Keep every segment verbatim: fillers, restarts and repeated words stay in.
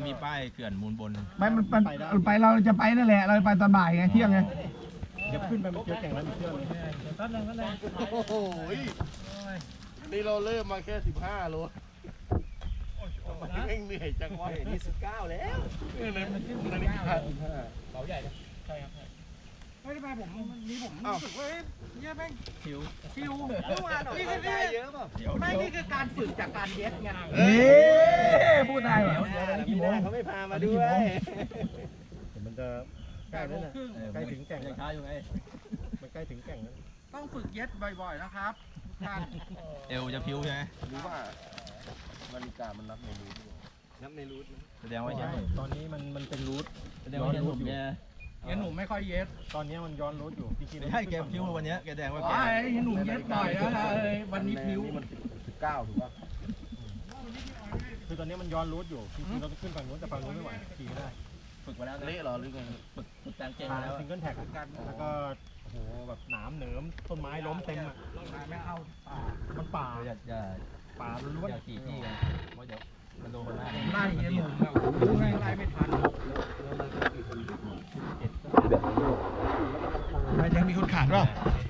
มีป้ายเขื่อนมูลบนไม่มันมันไปเราจะไปนั่นแหละเราไปตอนบ่ายไงเที่ยงไงเดี๋ยวขึ้นไปมันเจอแก่งแล้วมีเชื่อเลยแป๊บนึงแป๊บนึงโอ้โหนี่เราเริ่มมาแค่สิบห้าโลทำไมแม่งเหนื่อยจังวะนี่สิบเก้าแล้วเออเลยมันขึ้นนาฬิกาสิบห้าเบาใหญ่เลยใช่ครับไม่ได้ไปผมนี่ผมรู้สึกว่าเนี่ยแม่งคิวคิวเมื่อวานนี่คือเยอะป่ะไม่นี่คือการฝึกจากการเย็ดไงเอ๊ะพูดได้เหรอกี่โมงเขาไม่พามาด้วยมันจะใกล้แล้วนะใกล้ถึงแก่งแล้วช้าอยู่ไงมันใกล้ถึงแก่งแล้วต้องฝึกเย็ดบ่อยๆนะครับท่านเอวจะพิ้วใช่ไหมรู้ว่านาฬิกามันนับในรูทนับในรูทแสดงว่าใช่ตอนนี้มันมันเป็นรูทแสดงว่าหนุ่มเนี่ยงั้นหนุ่มไม่ค่อยเย็ดตอนนี้มันย้อนรูทอยู่พี่คิดไม่ใช่แกพิ้ววันนี้แกแดงว่าแกไอ้หนุ่มเย็ดบ่อยนะเลยวันนี้พิ้วมันสิบเก้าถูกป่ะคือตอนนี้มันย้อนรูทอยู่จริงๆเราต้องขึ้นฝั่งนู้นแต่ฝั่งนู้นไม่ไหวขี่ไม่ได้ฝึกมาแล้วเละหรอหรือไงฝึกฝึกการเก่งแล้วซิงเกิลแท็กกันแล้วก็โอ้โหแบบหนามเหนิมต้นไม้ล้มเต็มอ่ะไม่เข้าป่ามันป่าอย่าอย่าป่าล้วนอย่าขี่ที่กันเพราะเดี๋ยวมันโดนคนหน้าไล่เงี้ยหนุ่มแบบไล่ไล่ไม่ทันมันยังมีคนขาดป่ะ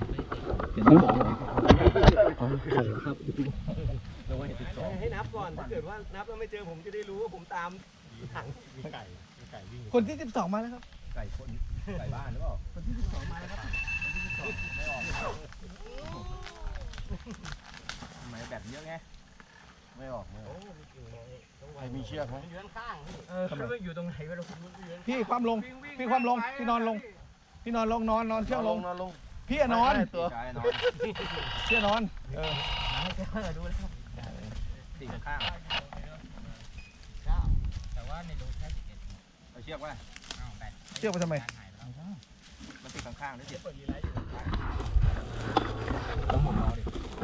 ให้นับก่อนถ้าเกิดว่านับแล้วไม่เจอผมจะได้รู้ว่าผมตามถังมีไก่มีไก่วิ่งคนที่สิบสองมาแล้วครับไก่คนไก่บ้านหรือเปล่าคนที่สิบสองมาแล้วครับคนที่สิบสองไม่ออกทำไมแบบเยอะไงไม่ออกไม่ออกใครมีเชือกไหมยืนข้างเอออยู่ตรงไหนไม่รู้พี่ความลงพี่ความลงพี่นอนลงพี่นอนลงนอนนอนเชือกลงนอนลงพี่นอนตัวพี่นอนเออดูแล้วติดข้างแต่ว่าในรูแค่สิบเอ็ดเอาเชือกไว้เชือกไปทำไมมันติดข้างๆได้เสียผมหมุนเอาดิ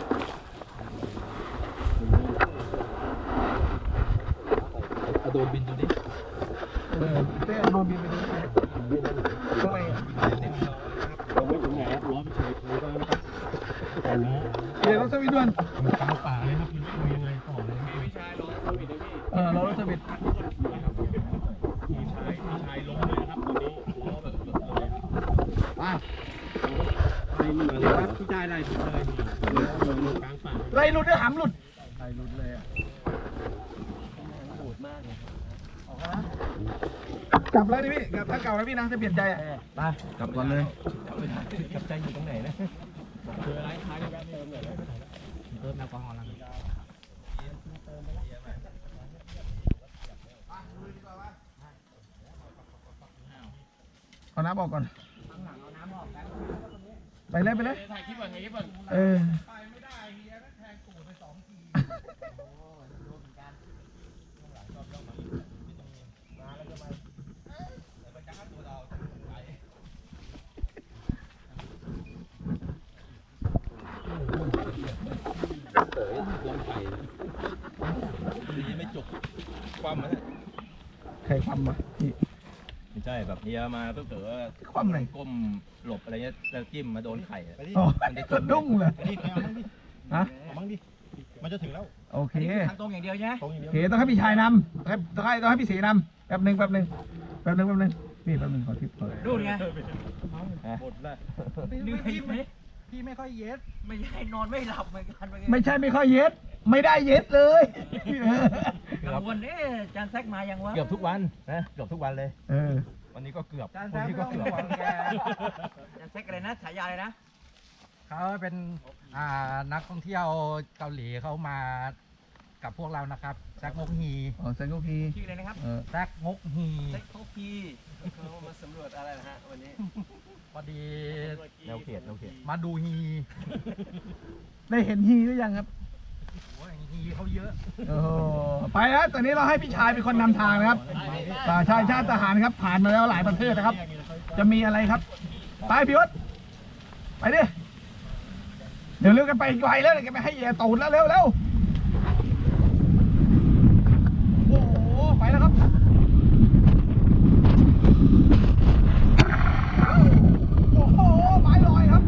เอาโดนบินดูดิเออเต้โดนบินไปดูทำไมเราไม่ถึงไหนครับล้อไม่ใช่เลยก็นะครับแต่ล้อเดี๋ยวรถสวิตด้วยมันกลางป่าเลยครับมันคุยยังไงต่อเลยพี่ชายล้อสวิตเลยพี่เออล้อรถสวิตพี่ชายพี่ชายล้มเลยนะครับตอนนี้ล้อแบบหลุดเลยอ่ะไล่มาเลยครับพี่ชายไล่ถึงเลยลงกลางป่าไล่หลุดด้วยหำหลุดไล่หลุดเลยอ่ะโหดมากเลยออกแล้วกลับแล้วดิพี่กลับถ้าเก่าแล้วพี่นะจะเปลี่ยนใจอ่ะไปกลับก่อนเลยกลับใจอยู่ตรงไหนนะคืออะไรท้ายแวะเติมเลยเติมแอลกอฮอล์แล้วเอาน้ำออกก่อนไปเลยไปเลยถ่ายคลิปก่อนถ่ายคลิปก่อนเออไปไม่ได้เฮียแทงตูดไปสองทีไม่จบความมันใครความมาพี่ไม่ใช่แบบเฮียมาเพื่อเกิดว่าความไหนก้มหลบอะไรเงี้ยแล้วจิ้มมาโดนไข่อ๋อสะดุ้งเลยฮะเอาบ้างดิมันจะถึงแล้วโอเคทางตรงอย่างเดียวใช่ไหมโอเคต้องให้พี่ชายนำต้องให้ต้องให้พี่ศรีนำแป๊บหนึ่งแป๊บหนึ่งแป๊บหนึ่งแป๊บหนึ่งพี่แป๊บหนึ่งขอทิปก่อนดูไงหมดแล้วพี่พี่ไม่ค่อยเย็ดไม่ใช่นอนไม่หลับเหมือนกันไม่ใช่ไม่ค่อยเย็ดไม่ได้เย็ดเลยกังวลเอ๊ะจานแซกมายังวะเกือบทุกวันนะเกือบทุกวันเลยเออวันนี้ก็เกือบวันนี้ก็เกือบจานแซกอะไรนะฉายาอะไรนะเขาเป็นอ่านักท่องเที่ยวเกาหลีเขามากับพวกเรานะครับแซกงกฮีอ๋อแซกงกฮีชื่ออะไรนะครับแซกงกฮีแซกงกฮีเขามาสำรวจอะไรนะฮะวันนี้พอดีแนวเขตแนวเขตมาดูฮีได้เห็นฮีหรือยังครับโอ้ยฮีเขาเยอะโอ้ไปแล้วตอนนี้เราให้พี่ชายเป็นคนนำทางนะครับชายชาติทหารครับผ่านมาแล้วหลายประเทศนะครับจะมีอะไรครับไปพี่วศไปดิเดี๋ยวเร็วกันไปไกลแล้วเดี๋ยวกันไปให้เหยียตูดแล้วเร็วเร็วโอ้โหไปแล้วครับโอ้โหไม้ลอยครับ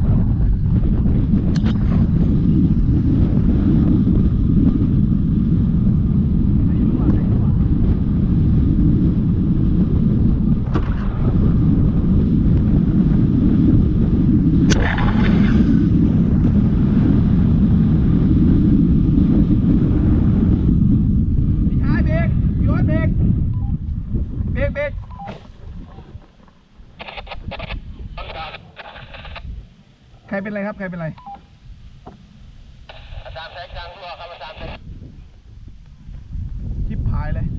เบรกใครเป็นไรครับใครเป็นไรอาจารย์แท็กจังรั่วครับอาจารย์ชิบหายเลย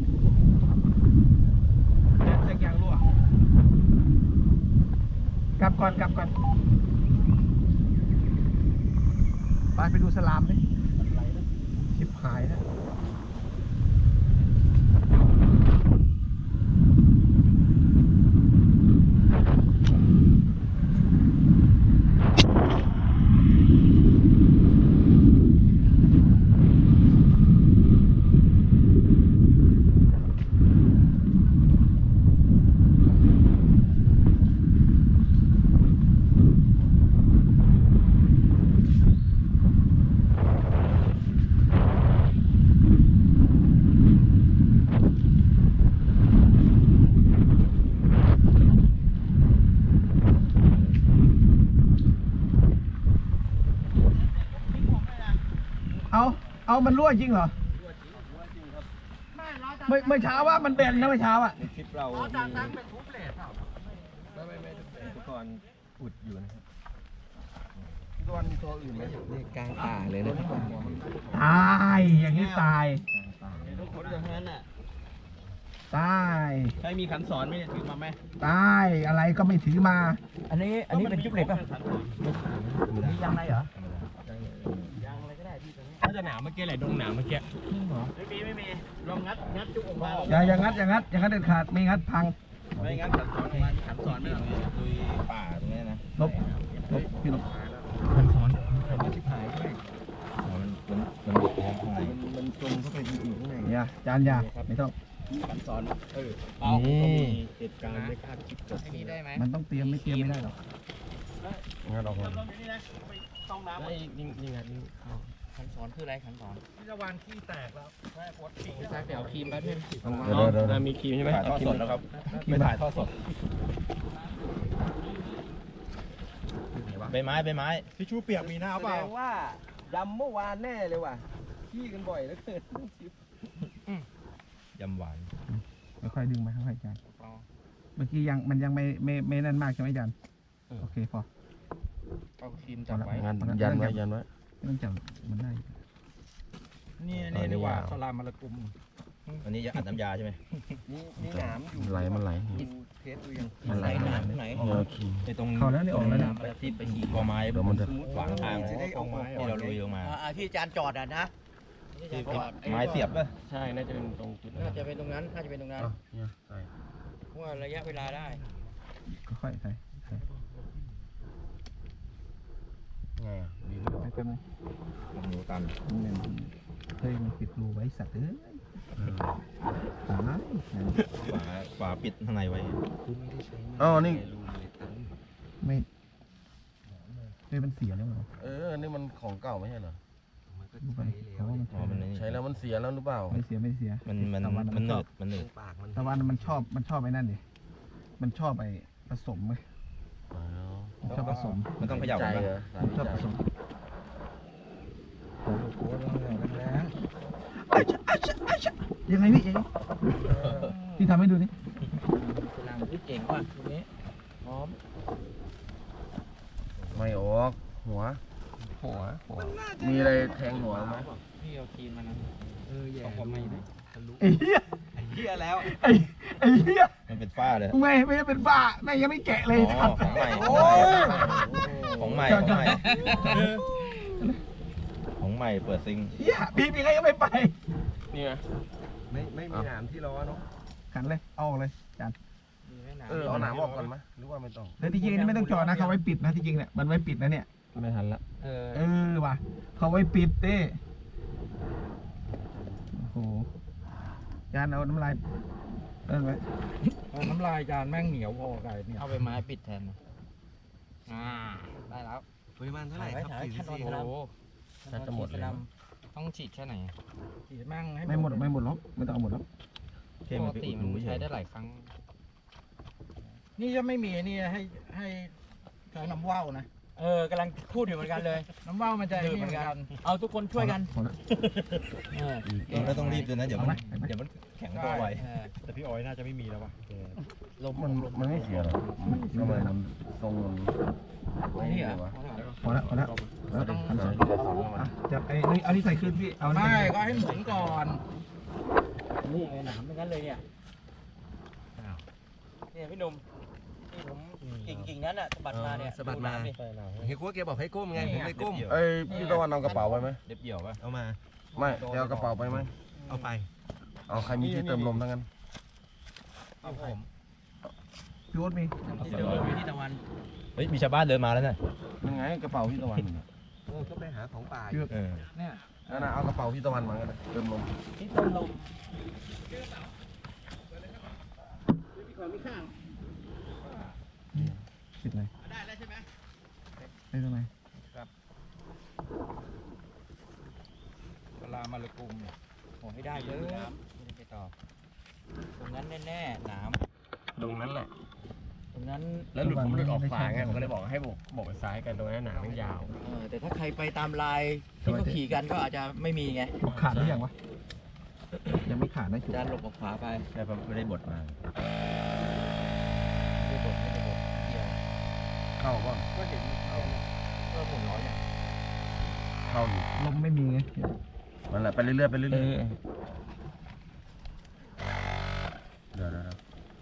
แท็กยางรั่วกลับก่อนกลับก่อนไปไปดูสลามดิชิบหายนะเอาเอามันรั่วจริงเหรอเมื่อเมื่อเช้าว่ามันเบนนะเมื่อเช้าอ่ะในคลิปเรามีจานตั้งเป็นทุบเลทเปล่าไม่ไม่ไม่อุปกรณ์อุดอยู่นะครับตัวมีตัวอื่นไหมนี่กลางป่าเลยนะตายอย่างนี้ตายทุกคนอย่างนั้นอ่ะตายใครมีขันสอนไหมเนี่ยถือมาไหมตายอะไรก็ไม่ถือมาอันนี้อันนี้เป็นจุ๊บเหล็กป่ะมียางในเหรอถ้าจะหนาวเมื่อกี้แหละดงหนาวเมื่อกี้ไม่มีไม่มีลองงัดงัดจุกออกมาอย่าอย่างงัดอย่างงัดอย่างงัดเด็ดขาดไม่งัดพังไม่งั้นขันสอนมาขันสอนไม่เอาลุยป่าตรงนี้นะลบลบพี่ลบขันสอนขันสอนที่หายด้วยมันมันมันบุกข้างในมันจมเข้าไปอยู่ข้างในอย่าจานอย่าไม่ต้องขันสอนเออเอาก็มีเหตุการณ์ไม่คาดคิดเกิดไอ้ขึ้นี่นได้ไหมมันต้องเตรียมไม่เตรียมไม่ได้หรอกงั้นออกมาต้องน้ำยิงยิงยิงยิงเข้าขันสอนคืออะไรขันสอนพิจารณาขี้แตกแล้วแม่ปวดขี้ใช่เดี๋ยวครีมแป๊บนึงเดี๋ยวเดี๋ยวมีครีมใช่ไหมถ่ายทอดสดแล้วครับไปถ่ายทอดสดใบไม้ใบไม้ทิชชู่เปียกมีหน้าเปล่าว่ายำเมื่อวานแน่เลยว่ะขี้กันบ่อยแล้วเกินยำหวานค่อยๆดึงไปค่อยๆจานเมื่อกี้ยังมันยังไม่ไม่ไม่นั่นมากใช่ไหมจานโอเคพอเอาครีมจับไว้งั้นยันไว้ยันไว้ไม่ต้องจับมันได้นี่นี่ดีกว่าสลามมะละกุมอันนี้จะอัดน้ำยาใช่ไหมมีหนามอยู่ไหลมันไหลเทสดูยังมันไหลหนามไหนไอ้ตรงเข้าแล้วนี่ออกแล้วนะที่ไปขี่กอไม้เดี๋ยวมันจะขวางทางที่เราลุยลงมาอ่าที่จานจอดอ่ะนะไม้เสียบป่ะใช่น่าจะเป็นตรงจุดน่าจะเป็นตรงนั้น น่าจะเป็นตรงนั้นเพราะว่าระยะเวลาได้ค่อยๆใส่ใส่ไงอ่ะดีไปแป๊บนึงมันดูตันมันเฮ้ยมันปิดรูไว้สัตว์เอ้ยตายนั่นฝาฝาปิดข้างในไว้อ๋อนี่ไม่เฮ้ยมันเสียแล้วเหรอเออนี่มันของเก่าไม่ใช่เหรอดูไปเขาว่ามันอ๋อมันนี่ใช้แล้วมันเสียแล้วหรือเปล่าไม่เสียไม่เสียมันมันตะวันมัมัน นเหชนือดบมันเหนืดตะวันมันชอบมันชอบไอ้นั่นดิมันชอบไอ้ผสมไหมมันชอบผสมมันต้องเขย่าใจกันเหรปะอมันชอบผสม ยังไงพี่ยังไงพี่ทำให้ดูนี่สลามที่เก่งว่ะตรงนี้พร้อมไม่ออกหัวหัวหัวมีอะไรแทงหัวไหมพี่เอาครีมมานะเออแย่ไม่ได้ไอ้เหี้ยเหี้ยแล้วไอ้ไอ้เหี้ยมันเป็นฝ้าเลยไม่ไม่ได้เป็นบ้าแม่งยังไม่แกะเลยอ๋อของใหม่โอ้ยของใหม่ของใหม่ของใหม่เปิดซิงเหี้ยพี่พี่ก็ยังไม่ไปนี่ไงไม่ไม่มีหนามที่ล้อเนาะขันเลยเอาออกเลยจานเออเอาหนามออกก่อนไหมหรือว่าไม่ต้องแล้วที่จริงนี่ไม่ต้องจอดนะเขาไว้ปิดนะที่จริงเนี่ยมันไว้ปิดนะเนี่ยไม่ทันละเออเออว่ะเขาไว้ปิดเต้โอ้โหจานเอาน้ำลายเอิ้นไว้น้ำลายจานแม่งเหนียวพอไก่เนี่ยเอาไปไม้ปิดแทนนะอ่าได้แล้วปริมาณเท่าไหร่ครับขั้นตอนโอ้โหจะหมดแล้วต้องฉีดแค่ไหนฉีดแม่งให้ไม่หมดไม่หมดหรอกไม่ต้องเอาหมดหรอกแค่ปมักนไปติอุดมันรูเฉใช้ยได้หลายครั้ง นี่จะไม่มีนี่ให้ให้ใช้น้ำว่าวนะเออกำลังพูดอยู่เหมือนกันเลยน้ำว่าวมันจะนี่เหมือนกันเอาทุกคนช่วยกันพอละเออเองก็ต้องรีบด้วยนะเดี๋ยวมันเอาไหมเดี๋ยวมันแข็งตัวไวเออแต่พี่ออยน่าจะไม่มีแล้ววะลมมันมันไม่เสียหรอกทำไมมันทรงมันนี่เหรอวะพอละพอละแล้วต้องอ่ะจับไอ้นี่เอานี่ใส่ขึ้นพี่เอานี่ไม่ใส่ก็ให้หมุนก่อนนี่ไงหนามเป็นงั้นเลยเนี่ยเนี่ยพี่หนุ่มนี่ผมกิ่งกิ่งนั้นอ่ะสะบัดมาเนี่ยสะบัดมานี่เฮียกุ้แกบอกให้ก้มไงผมไม่ก้มเอ้ยพี่ตะวันเอากระเป๋าไว้ไหมเด็บเหี่ยวป่ะเอามาไม่จะเอากระเป๋าไปไหมเอาไปเอาใครมีที่เติมลมทั้งนั้นเอาผมพี่โอ๊ตมีเดี๋ยวอยู่ที่ตะวันเฮ้ยมีชาวบ้านเดินมาแล้วน่ะยังไงกระเป๋าพี่ตะวันเออก็ไปหาของป่าพี่โอ๊ตเออเนี่ยนั่นนะเอากระเป๋าพี่ตะวันมาก็ได้เติมลมที่ต้นลมปิดเลยได้แล้วใช่ไหมได้ตรงไหนเวลามาเลยกลุ่มเนี่ยโอ้ให้ได้เลยไม่ได้ไปต่อตรงนั้นแน่ๆหนามตรงนั้นแหละตรงนั้นแล้วหลุดผมหลุดออกขวาไงผมก็เลยบอกให้บอกบอกไปซ้ายกันตรงนั้นหนามันยาวเออแต่ถ้าใครไปตามลายที่เขาขี่กันก็อาจจะไม่มีไงจุกขาดหรือยังวะยังไม่ขาดนะจุกจานหลบออกขวาไปแต่ผมไม่ได้บดมาไม่ได้บดไม่ได้บดเดียวเข้าบ้างก็เห็นก็หมุนร้อยเนี่ยเข้าอยู่ลมไม่มีไงนั่นแหละไปเรื่อยๆไปเรื่อยเออๆเดี๋ยวเดี๋ยวเดี๋ยว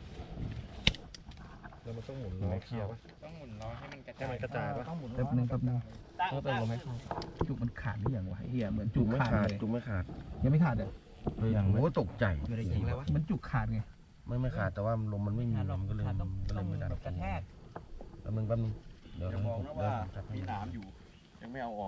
แล้วมันต้องหมุนล้อเคลียร์ป่ะต้องหมุนล้อให้มันกระจายกระจายป่ะต้องหมุนแป๊บนึงแป๊บนึงต้องเติมลมให้เข้าจุกมันขาดหรือยังวะเฮียเหมือนจุจุกกไม่ขาดขาดเลยจุกไม่ขาดยังไม่ขาดเลยอย่างโอ้ตกใจไม่ได้ยิงแล้ววะมันจุกขาดไงไม่ไม่ขาดแต่ว่าลมมันไม่มีลมก็เลยต้องก็เลต้อย งไม่ดันกระแทกแป๊บนึงแป๊บนึงเดี๋ยวอย่ามองนะว่าเดี๋ยวผมจับให้มีหนามอยู่ ยังไม่เอาออก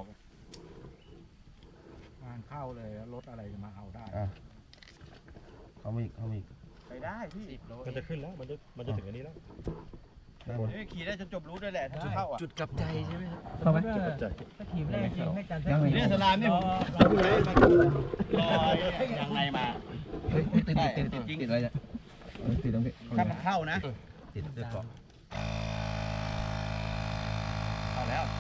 งานเข้าเลยแล้วรถอะไรจะมาเอาได้อ่ะเข้ามาอีกเข้ามาอีกไปได้พี่มันจะขึ้นแล้วมันจะมันจะถึงอันนี้แล้วขี่ได้จนจบรู้ด้วยแหละถ้าจุดเข้าอ่ะจุดกลับใจใช่ไหมเข้าไหมถ้าทีมแรกจริงให้จันยังไงเนี่ยสลามเนี่ยผมรอยังไงมาเฮ้ยติดติดติดติดติดอะไรเนี่ยเออติดตรงนี้ถ้ามันเข้านะติดด้วยเกาะเข้าแล้ว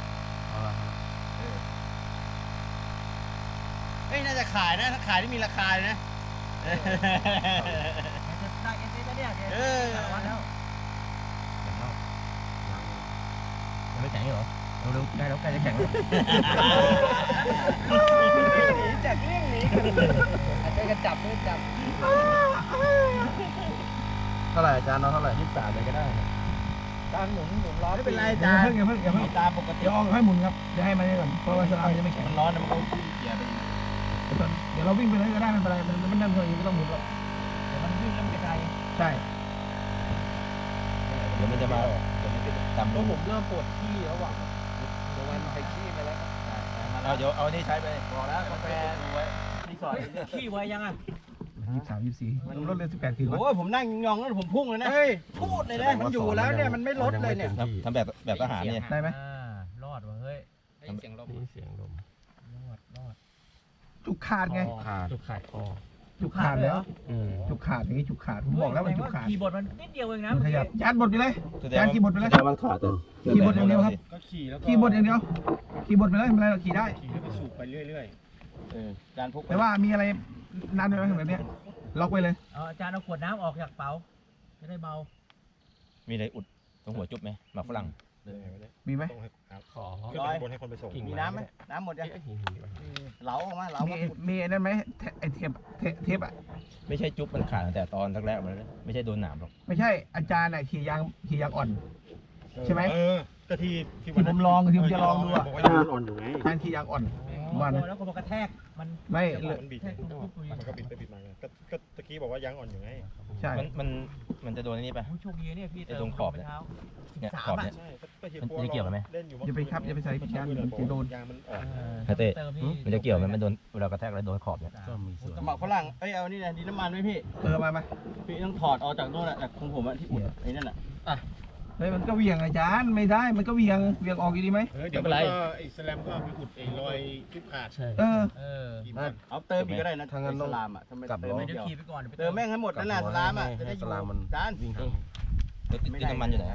เฮ้ยน่าจะขายนะถ้าขายที่มีราคาเลยนะได้เอสเอสแล้วเนี่ยเออสารวัตรแล้วยังไม่แข็งเหรอเร็วๆได้แล้วใกล้จะแข็งแล้วหนีจากเรื่องนี้อาจจะกระจับไม่จับเท่าไหร่อาจารย์เอาเท่าไหร่ยี่สิบสามเลยก็ได้การหมุนหมุนล้อไม่เป็นไรอย่าจ้าเพิ่งอย่าเพิ่งอย่าเพิ่งตามปกติเดี๋ยวเอาให้หมุนครับเดี๋ยวให้มันนี่ก่อนเพราะว่าสลามยังไม่แข็งมันร้อนนะมันก็เกียร์ไปเดี๋ยวเราวิ่งไปเลยก็ได้ไม่เป็นไรมันมันนั่งเฉยไม่ต้องหมุนหรอกเดี๋ยวมันวิ่งแล้วมันกระจายใช่เดี๋ยวมันจะมาเดี๋ยวมันจะจำลก็งผมเริ่มปวดขี้แล้วว่ะเดี๋ยววันไปขี้ไปแล้วเอาเดี๋ยวเอานี่ใช้ไปบอกแล้วกาแฟดูไว้รีสอร์ทขี้ไว้ยังอ่ะยี่สิบสามยี่สิบสี่มันรถเลยสิบแปดกิโลโอ้ยผมนั่งยองแล้วผมพุ่งเลยนะพูดเลยนะมันอยู่แล้วเนี่ยมันไม่ลดเลยเนี่ยทำทำแบบแบบทหารเนี่ยได้ไหมอ่ารอดว่ะเฮ้ยเสียงลมเสียงลมรอดรอดจุกขาดไงขาดจุกขาดคอจุกขาดแล้วอืมจุกขาดอย่างนี้จุกขาดผมบอกแล้วมันจุกขาดขี่บทมันนิดเดียวเองนะมันขยับจานบดไปเลยแสดงจานว่าขี่บดไปเลยแสดงว่ามันขาดเลยขี่บดอย่างเดียวครับก็ขี่แล้วก็ขี่บดอย่างเดียวขี่บดไปเลยไม่เป็นไรหรอกขี่ได้ขี่แล้วก็สูบไปเรื่อยๆเออจานพกแต่ว่ามีอะไรนานเลยไหมแบบเนี้ยล็อกไว้เลยเอาอาจารย์เอาขวดน้ำออกจากเป๋าจะได้เบามีอะไรอุดตรงหัวจุ๊บไหมหมากฝรั่งมีไหมขอร้อยบนให้คนไปส่งมีน้ำไหมน้ำหมดยังเหลาออกมาเหลามีมามีไอ้นั่นไหมเทไอเทปเทปเทปอ่ะไม่ใช่จุ๊บมันขาดตั้งแต่ตอนแรกๆมันเลยไม่ใช่โดนหนามหรอกไม่ใช่อาจารย์อ่ะขี่ยางขี่ยางอ่อน ใช่ไหมเออก็ที่ที่ที่ผมลองที่ผมจะลองดูอ่ะบอกว่ายางอ่อนอยู่ไงอาจารย์ขี่ยางอ่อนว่านะแล้วก็มากระแทกมันไม่เลยมันบิดแทกทุบๆมันก็บิดไปบิดมาไงก็ก็ตะกี้บอกว่ายางอ่อนอยู่ไงใช่มันมันมันจะโดนอันนี้ไปผู้โชคดีเนี่ยพี่ไอ้ตรงขอบเนี่ยเท้าเนี่ยสาขอบมเนี่ยใช่ก็เฮียมันปัวจะเกี่ยวกันไหมเล่นอยู่อย่าไปครับอย่าไปใส่พี่ยางมันจะโดนยางมันอ่อนฮะเต้เติมพี่มันจะเกี่ยวไหมมันโดนเวลากระแทกแล้วโดนขอบเนี่ยก็มีส่วนสมัครฝรั่งเอ้ยเอานี่นะดินน้ำมันไหมพี่เออมามาพี่ต้องถอดออกจากโน่นแหละจากของผมอะที่อุดไอ้นั่นแหละเฮ้ยมันก็เหวี่ยงอาจารย์ไม่ได้มันก็เหวี่ยงเหวี่ยงออกอยู่ดีไหมเดี๋ยวมันก็ไอ้สแลมก็มีอุดไอ้รอยจุบขาดเออเออเอาเติมอีกก็ได้นะทางนั้นต้องสลามอ่ะทำไมกลับเติมล้อไม่เดี๋ยวเดียวขี่ไปก่อนเดี๋ยวไปเติมแม่งให้หมดนั่นแหละสลามอ่ะจะได้ให้อยู่สลามมันจานวิ่งทางแล้วดินน้ำมันอยู่ไหนอะ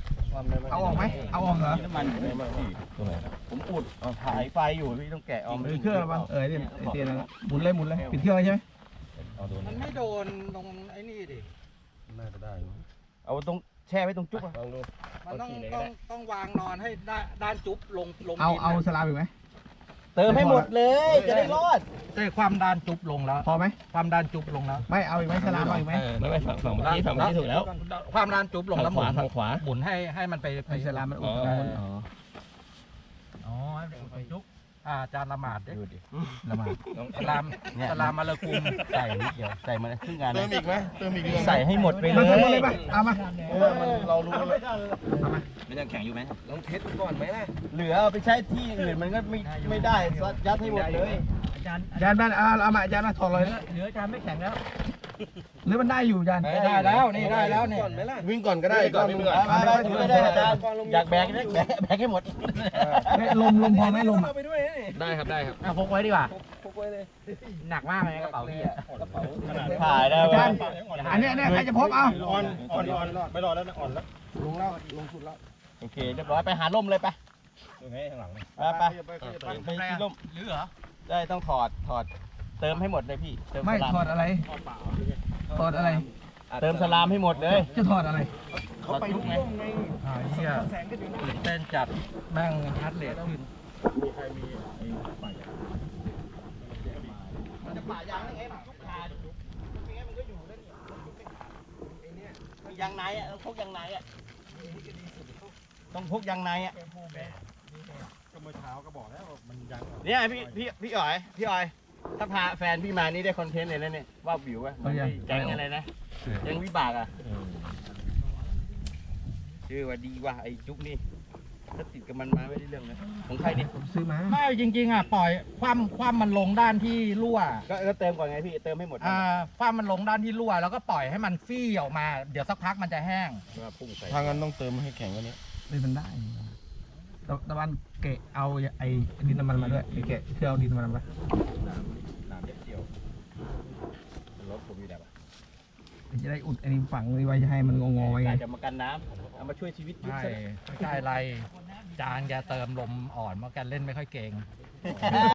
เอาออกไหมเอาออกเหรอน้ำมันตรงไหนผมอุดเอาถ่ายไฟอยู่พี่ต้องแกะออกเออเครื่องระวังเออเนี่ยไอเตียนนะหมุนเลยหมุนเลยปิดเครื่องเลยใช่ไหมมันไม่โดนตรงไอ้นี่ดิน่าจะได้เอาตรงแช่ไว้ตรงจุ๊บลองดูมันต้องต้องต้องวางนอนให้ด้านด้านจุ๊บลงลงเอาดินเอานะสลามอีกไหมเติมให้หมดเลยจะได้รอดแต่ความด้านจุ๊บลงแล้วพอไหมความด้านจุ๊บลงแล้วไม่เอาอีกไหมสลามเอาอีกไหมไม่ไม่ฝั่งฝั่งเมื่อกี้ฝั่งเมื่อกี้ถูกแล้วความด้านจุ๊บลงแล้วหมุนทางขวาหมุนให้ให้มันไปไปไอสลามมันอุดอ๋อมันอ๋ออ๋อไปจุกอ่าจานละหมาดดิดูดิละหมาดสลามสลามมาละกุมใส่นิดเดียวใส่มาครึ่งงานเติมอีกไหมเติมอีกใส่ให้หมดไปเลมายเสร็จหมดเลยปะเอามาเออมันเรารู้แล้วเอามามันยังแข็งอยู่ไหมลองเทสก่อนไหมล่ะเหลือเอาไปใช้ที่อื่นมันก็ไม่ไม่ได้ยัดให้หมดเลยอาจารย์อาจารย์บ้านเอาเอามาอาจารย์มาถอดเลยเหลืออาจารย์ไม่แข็งแล้วหรือมันได้อยู่อาจารย์ได้แล้วนี่ได้แล้วนี่วิ่งก่อนก็ได้ก่อนวิ่งก่อนมาไปถือไปได้อาจารย์อยากแบกได้แบกแบกให้หมดเฮ้ยลมลมพอไหมลมอ่ะได้ครับได้ครับเอาพกไว้ดีกว่าหนักมากเลยกระเป๋าพี่อะถ่ายได้อาไหมจารย์อันเนี้ยอันเนี้ยใครจะพบเอาอ่อนอ่อนอ่อนไม่รอแล้วนะอ่อนแล้วโอเคเรียบร้อยไปหาร่มเลยไปยังไงข้างหลังไปไปไปไปที่ร่มหรือเหรอได้ต้องถอดถอดเติมให้หมดเลยพี่เติมไม่สลามถอดอะไรถอดอะไรเติมสลามให้หมดเลยจะถอดอะไรเขาไปลุกไงอ่าเฮียตื่นเต้นจัดแม่งฮาร์ดเรทขึ้นมันจะป่ายางได้ไงมันทุกขาจุกไม่งั้นมันก็อยู่ได้นี่ไอ้เนี่ยยางในอ่ะต้องพกยางในอ่ะต้องพกยางในอ่ะก็เมื่อเช้าก็บอกแล้วมันยังเนี่ยพี่พี่พี่อ๋อยพี่อ๋อยถ้าพาแฟนพี่มานี่ได้คอนเทนต์เลยนะเนี่ยว่าวิวอ่ะเอายังแก๊งอะไรนะแก๊งวิบากอ่ะชื่อว่าดีว่ะไอ้จุกนี่ถ้าติดกับมันมาไม่ได้เรื่องนะของใครดิผมซื้อมาไม่จริงๆอ่ะปล่อยความความมันลงด้านที่รั่วก็ก็เติมก่อนไงพี่เติมให้หมดอ่าความมันลงด้านที่รั่วแล้วก็ปล่อยให้มันฟี่ออกมา เดี๋ยวสักพักมันจะแห้งว่าพุ่งใส่ถ้างั้นต้องเติมให้แข็งกว่านี้เลยมันได้ตะตะวันเกะเอาไอ้ดินน้ำมันมาด้วยไอ้เกะเพื่อเอาดินน้ำมันมาน้ำเด็ดเดียวรถผมอยู่แล้วจะได้อุดไอ้นี่ฝังไว้จะให้มันงอๆไว้ไงกาจะมากันน้ำเอามาช่วยชีวิตยุบไม่ซะไม่ใช่อะไร จานแกเติมลมอ่อนเพราะแกเล่นไม่ค่อยเก่ง